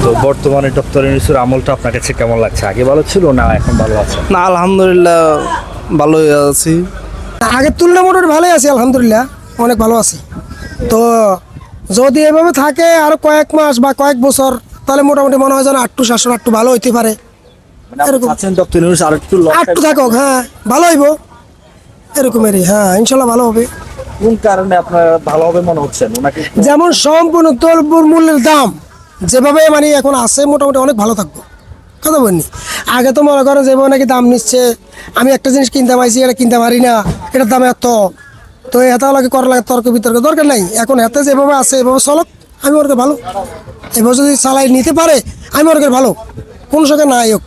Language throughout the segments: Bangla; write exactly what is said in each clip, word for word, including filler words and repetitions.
বর্তমানে ডক্টর ইউনূসের আমলটা আপনার কাছে কেমন লাগছে? আগে ভালো ছিল না এখন ভালো আছে? না, আলহামদুলিল্লাহ ভালোই আছি। আগের তুলনায় মোটামুটি ভালোই আছি, আলহামদুলিল্লাহ অনেক ভালো আছি। তো যদি এভাবে থাকে আরো কয়েক মাস বা কয়েক বছর, তাহলে মোটামুটি মনে হয় যেন আটটু শাসন একটু ভালো হইতে পারে। মানে আপনি এরকম। চাচ্ছেন ডক্টর ইউনূস আর একটু long আটটু time- থাকুক, হ্যাঁ ভালো হইব এরকমেরই, হ্যাঁ ইনশাল্লাহ ভালো হবে। কোন কারণে আপনার ভালো হবে মনে হচ্ছে ওনাকে? যেমন সম্পূর্ণ দ্রব্যর মূল্যের দাম যেভাবে মানে এখন আছে, মোটামুটি অনেক ভালো থাকবো। কথা বলিনি, আগে তো মনে করেন যেভাবে নাকি দাম নিচ্ছে, আমি একটা জিনিস কিনতে পারছি, এটা কিনতে পারি না, এটার দাম এত, তো এত লাগে করা লাগে তর্ক বিতর্ক দরকার নাই। এখন এতে যেভাবে আছে এভাবে চলক, আমি ওর ভালো, এভাবে যদি চালাই নিতে পারে আমি ওর ভালো, কোন সঙ্গে নাই হোক।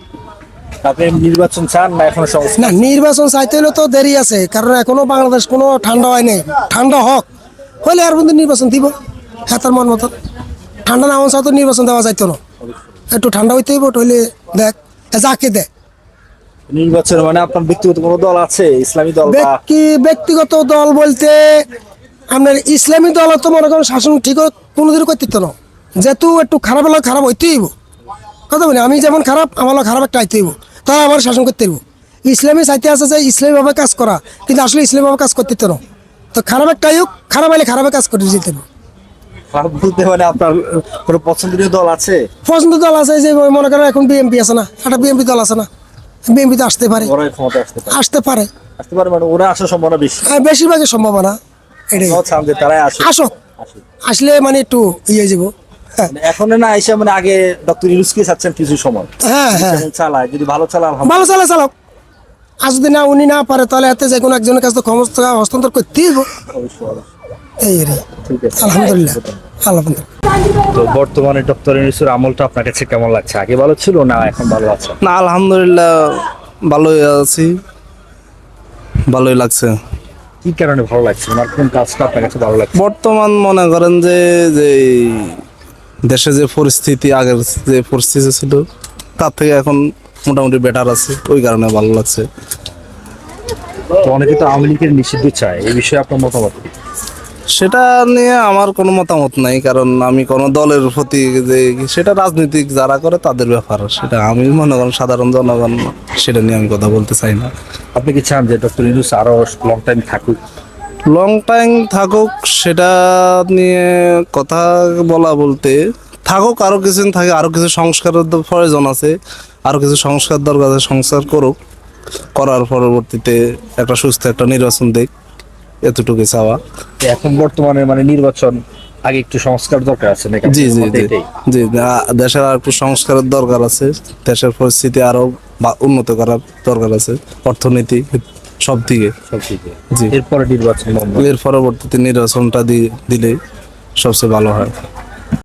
আপনি নির্বাচন চান না এখন সমস্যা? না, নির্বাচন চাইতে হলে তো দেরি আছে, কারণ এখনো বাংলাদেশ কোনো ঠান্ডা হয় নাই। ঠান্ডা হোক, হলে আর বন্ধু নির্বাচন দিব, হ্যাঁ তার মন মতো। ঠান্ডা না হওয়া তো নির্বাচন দেওয়া যাইতো না, একটু ঠান্ডা হইতে হইব, হইলে দেখ যাকে দেয়। নির্বাচন মানে আপনার ব্যক্তিগত কোনো দল আছে, ইসলামী দল বা? ব্যক্তি ব্যক্তিগত দল বলতে আপনার ইসলামী দল তো মনে করেন শাসন ঠিক কোনোদিনও করতে দিত না, যেহেতু একটু খারাপ হলে খারাপ হইতেই হইব। কথা বলি, আমি যেমন খারাপ আমারও খারাপ একটা আইতে হইব, তারা আমার শাসন করতে হইব। ইসলামী চাইতে আছে যে ইসলামীভাবে কাজ করা, কিন্তু আসলে ইসলামীভাবে কাজ করতে দিত না। তো খারাপ একটা হোক, খারাপ হলে খারাপে কাজ করে যেতে হবে। খারাপ বলতে মানে আপনার কোনো পছন্দনীয় দল আছে? পছন্দ দল আছে, যে মনে করেন এখন বিএনপি আছে না, একটা বিএনপি দল আছে না, বিএনপি তো আসতে পারে, ওরাই ক্ষমতা আসতে পারে? আসতে পারে, আসতে পারে মানে ওরা আসার সম্ভাবনা বেশি? হ্যাঁ, বেশিরভাগই সম্ভাবনা এটাই। আপনারাও চান যে তারাই আসুক? আসক, আসুক। আসলে মানে একটু ইয়ে যাব। হ্যাঁ মানে এখন না এসে মানে আগে ডক্টর ইউনূসকে চাচ্ছেন কিছু সময়, হ্যাঁ হ্যাঁ যেমন চালায়, যদি ভালো চালায় ভালো আলহামদুলিল্লাহ। চালা চালক, আর যদি না উনি না পারে তাহলে এতে যে কোনো একজনের কাছে তো ক্ষমতা হস্তান্তর করতেই হবে। অবশ্যই, অবশ্যই। এই রে, ঠিক আছে। আলহামদুলিল্লাহ আলহামদুলিল্লাহ। তো বর্তমানে ডক্টর ইউনূসের আমলটা আপনার কাছে কেমন লাগছে? আগে ভালো ছিল না এখন ভালো আছে? না, আলহামদুলিল্লাহ ভালোই আছি, ভালোই লাগছে। কি কারণে ভালো লাগছে? ওনার কোন কাজটা আপনার কাছে ভালো লাগছে? বর্তমান মনে করেন যে যে দেশে যে পরিস্থিতি, আগের যে পরিস্থিতি ছিল তার থেকে এখন মোটামুটি বেটার আছে, ওই কারণে ভালো লাগছে। তো অনেকে তো আওয়ামী লীগের নিষিদ্ধ চায়, এই বিষয়ে আপনার মতামত কি? সেটা নিয়ে আমার কোনো মতামত নাই, কারণ আমি কোনো দলের প্রতি যে সেটা রাজনীতিক যারা করে তাদের ব্যাপার, সেটা আমি মনে করেন সাধারণ জনগণ, সেটা নিয়ে আমি কথা বলতে চাই না। আপনি কি চান যে ডক্টর ইউনূস আরো লং টাইম থাকুক? লং টাইম থাকুক সেটা নিয়ে কথা বলা বলতে, থাকুক আরও কিছুদিন থাকে, আরও কিছু সংস্কারের দ- প্রয়োজন আছে, আরও কিছু সংস্কার দরকার আছে, সংস্কার করুক, করার পরবর্তীতে একটা সুস্থ একটা নির্বাচন দেখ, এতটুকু চাওয়া। তো এখন বর্তমানে মানে নির্বাচন আগে একটু সংস্কার দরকার আছে নাকি? জি জি আপনার মতে জি এটাই? জি আ- দেশের আর একটু সংস্কারের দরকার আছে, দেশের পরিস্থিতি আরো বা- উন্নত করার দরকার আছে, অর্থনীতি সব দিকে। সব ঠিক আছে। জি। এরপরে নির্বাচন বন্ধ। এর পরবর্তীতে নির্বাচনটা দি- দিলে সবচেয়ে ভালো হয়।